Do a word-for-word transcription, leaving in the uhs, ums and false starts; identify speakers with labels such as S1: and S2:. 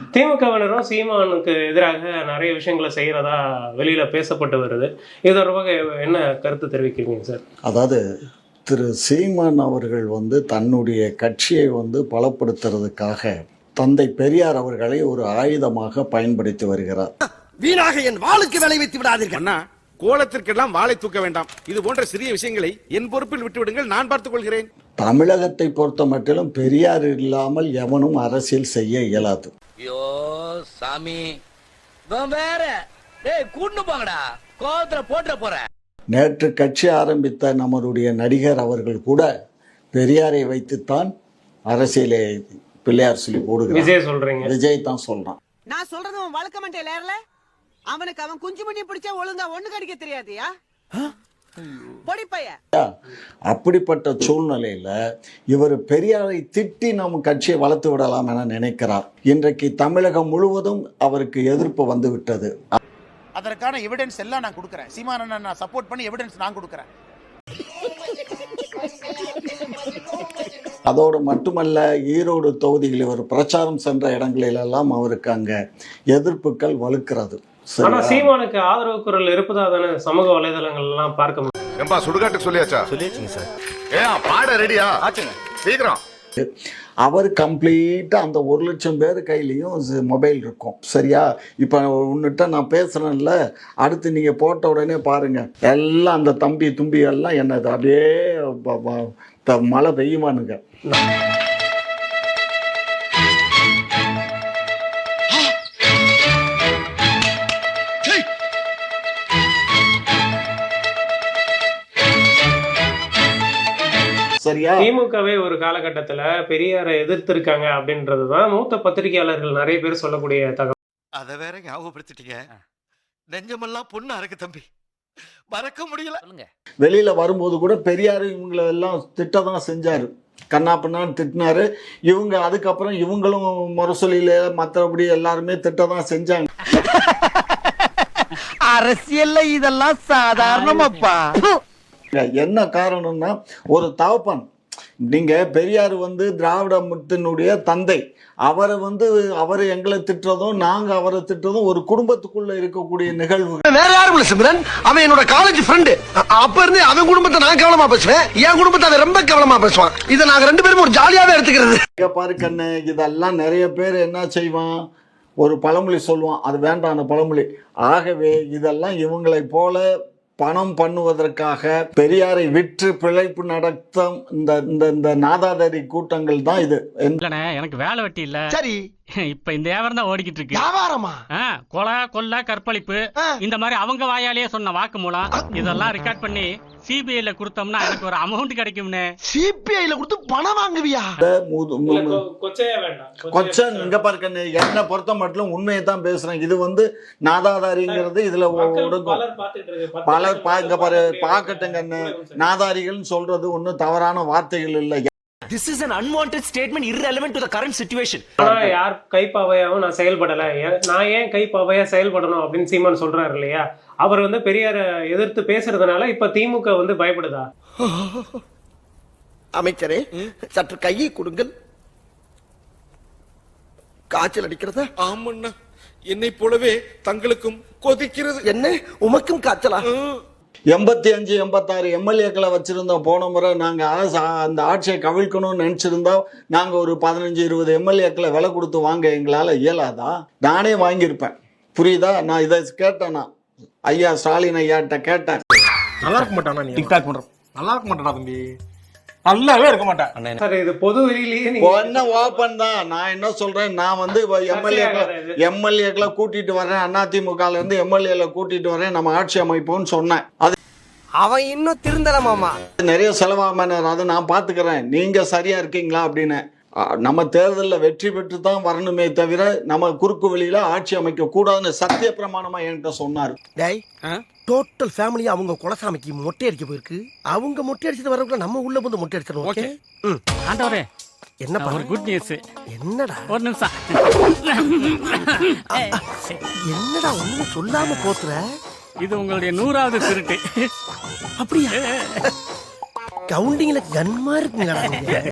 S1: திமுகவினரும் சீமானுக்கு எதிராக நிறைய விஷயங்களை செய்யறதா வெளியில பேசப்பட்டு வருது. இது தொடர்பாக என்ன கருத்து தெரிவிக்கிறீங்க சார்?
S2: அதாவது திரு சீமான் அவர்கள் வந்து தன்னுடைய கட்சியை வந்து பலப்படுத்துறதுக்காக தந்தை பெரியார் அவர்களை ஒரு ஆயுதமாக பயன்படுத்தி வருகிறார்.
S3: வீணாக என் வாளுக்கு விளை வைத்து விடாதீர்கள்.
S4: கோலத்திற்கெல்லாம் வாளை தூக்க வேண்டாம். இது போன்ற சிறிய விஷயங்களை என் பொறுப்பில் விட்டுவிடுங்கள், நான் பார்த்துக் கொள்கிறேன்.
S2: தமிழகத்தை பொறுத்த மட்டிலும் பெரியார் இல்லாமல் எவனும் அரசியல் செய்ய இயலாது.
S5: ஐயோ சாமி, வேற கூண்டு போங்கடா, கோவத்துல போட்டு போற.
S2: நேற்று கட்சி ஆரம்பித்த நம்மளுடைய நடிகர் அவர்கள் கூட பெரியாரை வைத்துத்தான் அரசியலை பிள்ளையார் சொல்லி போடுகிறார்.
S1: விஜய் சொல்றீங்க?
S2: விஜய் தான் சொல்றான்.
S3: நான் சொல்றது அவன் வழக்க மாட்டேன். அவனுக்கு அவன் குஞ்சு மணி பிடிச்சா ஒழுங்கா ஒண்ணு கடிக்க தெரியாதியா?
S2: அப்படிப்பட்ட சூழ்நிலையில இவர் பெரியாரை திட்டி நம்ம கட்சியை வளர்த்து விடலாம் என நினைக்கிறார். இன்றைக்கு தமிழகம் முழுவதும் அவருக்கு எதிர்ப்பு வந்து விட்டது.
S6: அதற்கான எவிடன்ஸ் எல்லாம் நான் கொடுக்கிறேன். சீமானனை நான் சப்போர்ட் பண்ணி எவிடன்ஸ் நான் கொடுக்கிறேன்.
S2: அதோடு மட்டுமல்ல, ஈரோடு தொகுதியில் இவர் பிரச்சாரம் சென்ற இடங்களிலெல்லாம் அவருக்கு அங்க எதிர்ப்புகள் வலுக்கிறது.
S1: ஆனா சீமானுக்கு ஆதரவு குரல் இருப்பதா தானே சமூக வலைதளங்கள் எல்லாம் பார்க்க முடியும்.
S4: ஏம்பா சுடுகாட்டுக்கு சொல்லியாச்சா? சொல்லியாச்சுங்க சார். ஏன் பாட ரெடியா? ஆச்சுங்க, சீக்கிரம்.
S2: அவர் கம்ப்ளீட்டா அந்த ஒரு லட்சம் பேர் கையிலையும் மொபைல் இருக்கும். சரியா? இப்ப உன்னிட்ட நான் பேசுறேன்ல, அடுத்து நீங்க போட்ட உடனே பாருங்க, எல்லாம் அந்த தம்பி தும்பி எல்லாம் என்னது அப்படியே மழை பெய்யுமானுங்க.
S1: திமுகவே ஒரு காலகட்டத்துல பெரியாரை எதிர்த்திருக்காங்க அப்படின்றதுதான் மூத்த பத்திரிகையாளர்கள் நிறைய பேர் சொல்லக்கூடிய தகவல்.
S7: அத வேற ஞாபகப்படுத்திட்டீங்க. நெஞ்சமெல்லாம் பொண்ணு அறக்கு தம்பி, மறக்க முடியல.
S2: வெளியில வரும்போது கூட பெரியாரு இவங்களை எல்லாம் திட்டதான் செஞ்சாரு, கண்ணா பின்னான்னு திட்டினாரு. இவங்க அதுக்கப்புறம் இவங்களும் முரசொலியில மற்றபடி எல்லாருமே திட்டதான் செஞ்சாங்க.
S3: அரசியல்ல இதெல்லாம் சாதாரணமாப்பா.
S2: என்ன காரணம்னா, ஒரு தகப்பன், நீங்க பெரியார் வந்து திராவிட முத்தினுடைய தந்தை, அவரை வந்து அவரை எங்களை திட்டுறதும் நாங்க அவரை திட்டுறதும் ஒரு குடும்பத்துக்குள்ள இருக்கக்கூடிய நிகழ்வு.
S3: வேற யாரும் இல்ல சிம்ரன், அவன் என்னோட காலேஜ் ஃப்ரெண்டு. அப்ப இருந்து அவன் குடும்பத்தை நான் கவனமா பேசுவேன், என் குடும்பத்தை அவன் ரொம்ப கவனமா பேசுவான். இதை நாங்க ரெண்டு பேரும் ஒரு ஜாலியாவே எடுத்துக்கிறது.
S2: பாரு கண்ணு, இதெல்லாம் நிறைய பேர் என்ன செய்வான், ஒரு பழமொழி சொல்லுவான், அது வேண்டாம் அந்த பழமொழி. ஆகவே இதெல்லாம் இவங்களை போல பணம் பண்ணுவதற்காக பெரியாரை விற்று பிழைப்பு நடத்தும் இந்த இந்த நாதாதாரி கூட்டங்கள் தான் இது.
S8: எனக்கு வேலை வெட்டி இல்ல.
S3: சரி,
S8: இப்ப இந்த வியாபாரம் தான் ஓடிக்கிட்டு இருக்கு.
S3: வியாபாரமா?
S8: கொலை கொள்ள கற்பழிப்பு இந்த மாதிரி அவங்க வாயாலேயே சொன்ன வாக்கு மூலம் இதெல்லாம் ரெக்கார்ட் பண்ணி சிபிஐல கொடுத்தோம்னா எனக்கு ஒரு அமௌண்ட் கிடைக்கும்னு.
S3: சிபிஐல கொடுத்து பணம் வாங்குவியா?
S2: கொச்சன் இங்க பாருங்க, என்ன பொறுத்த மட்டும் உண்மையை தான் பேசுறேன். இது வந்து நாதாதாரிங்கிறது இதுல பலர் இங்க பாரு பாக்கட்டுங்க, நாதாரிகள் சொல்றது ஒன்னும் தவறான வார்த்தைகள் இல்லை.
S7: This is an unwanted statement irrelevant to the current situation.
S1: ஆனா யார் கைப்பாவையாவும் நான் செயல்படல, நான் ஏன் கைப்பாவையா செயல்படணும் அப்படின்னு சீமான் சொல்றாரு இல்லையா? அவர் வந்து பெரியாரை எதிர்த்து பேசுறதுனால இப்ப திமுக வந்து பயப்படுதா?
S3: அமைச்சரே சற்று கையை கொடுங்கள். காய்ச்சல் அடிக்கிறதா?
S4: ஆமண்ணா, என்னை போலவே தங்களுக்கும் கொதிக்கிறது.
S3: என்ன உமக்கும் காய்ச்சலா?
S2: எண்பத்தி அஞ்சு எண்பத்தாறு எம்எல்ஏக்களை வச்சிருந்தோம். போன முறை நாங்க அரசு அந்த ஆட்சியை கவிழ்க்கணும்னு நினைச்சிருந்தோம். நாங்க ஒரு பதினஞ்சு இருபது எம்எல்ஏக்களை விலை கொடுத்து வாங்க எங்களால இயலாதா? நானே வாங்கியிருப்பேன். புரியுதா? நான் இதை கேட்டேன்னா ஐயா ஸ்டாலின் ஐயாட்ட கேட்டேன்.
S4: நல்லா இருக்க மாட்டானா நீ? டிக்டாக் பண்ற நல்லா இருக்க மாட்டானா தம்பி? நல்லாவே இருக்க மாட்டேன்
S1: சார். இது பொது வெளியிலேயே
S2: என்ன ஓப்பன் தான். நான் என்ன சொல்றேன், நான் வந்து எம்எல்ஏக்களை எம்எல்ஏக்களை கூட்டிட்டு வரேன், அதிமுகல இருந்து எம்எல்ஏல கூட்டிட்டு வரேன், நம்ம ஆட்சி அமைப்போம்னு சொன்னேன். அது
S3: அவன் இன்னும் திருந்தலமாமா,
S2: நிறைய செலவாம அதை நான் பாத்துக்கிறேன், நீங்க சரியா இருக்கீங்களா அப்படின்னு. நம்ம தேர்தலில் வெற்றி பெற்று தான் வரணுமே தவிர நம்ம குறுக்கு வெளியில ஆட்சி அமைக்க கூடாதுன்னு சத்திய பிரமாணமா என்கிட்ட சொன்னாரு.
S3: டோட்டல் ஃபேமிலி அவங்க குலசாமிக்கு மொட்டை அடிக்க போயிருக்கு. அவங்க மொட்டை அடிச்சது வரக்குள்ள நம்ம உள்ள வந்து மொட்டை அடிச்சிடணும். ஓகே
S8: ஆண்டவரே,
S1: என்ன
S8: ஒரு குட் நியூஸ்.
S1: என்னடா?
S8: ஒரு நிமிஷம்.
S1: என்னடா ஒண்ணும் சொல்லாம போத்துற?
S8: இது உங்களுடைய நூறாவது திருட்டு.
S1: அப்படியா? கவுண்டிங்ல கன்மா இருக்குங்களா?